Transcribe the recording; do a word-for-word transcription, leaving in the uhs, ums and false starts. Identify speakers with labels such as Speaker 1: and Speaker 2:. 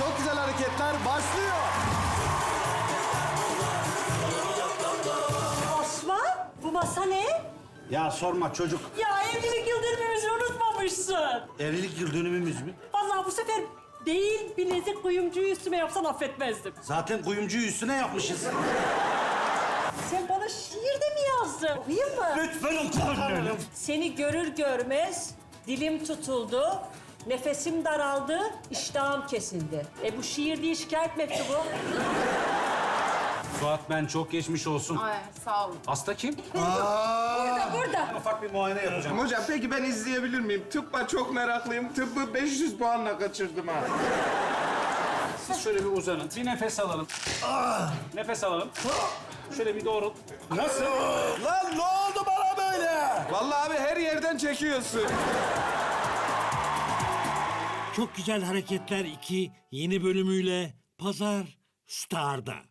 Speaker 1: çok güzel hareketler başlıyor.
Speaker 2: Osman, bu masa ne?
Speaker 3: Ya sorma çocuk.
Speaker 2: Ya evlilik yıl dönümümüzü unutmamışsın.
Speaker 3: Evlilik yıl dönümümüz mü?
Speaker 2: Vallahi bu sefer değil bilezik kuyumcuyu üstüme yapsan affetmezdim.
Speaker 3: Zaten kuyumcuyu üstüne yapmışız.
Speaker 2: Sen bana şiir de mi yazdın? Okuyayım mı?
Speaker 3: Lütfen otur.
Speaker 2: Seni görür görmez dilim tutuldu, nefesim daraldı, iştahım kesildi. E bu şiir değil, şikayet mektubu.
Speaker 4: Suat ben çok geçmiş olsun.
Speaker 5: Ay sağ olun.
Speaker 4: Hasta kim?
Speaker 2: Burada, burada.
Speaker 3: Ufak bir muayene yapacağım.
Speaker 6: Hocam peki ben izleyebilir miyim? Tıbba çok meraklıyım. Tıbbı beş yüz puanla kaçırdım ha.
Speaker 4: Siz şöyle bir uzanın. Bir nefes alalım. Nefes alalım. Şöyle bir doğrul. Nasıl?
Speaker 1: Lan ne oldu bana böyle?
Speaker 6: Vallahi abi her yerden çekiyorsun.
Speaker 7: Çok Güzel Hareketler iki yeni bölümüyle Pazar Star'da.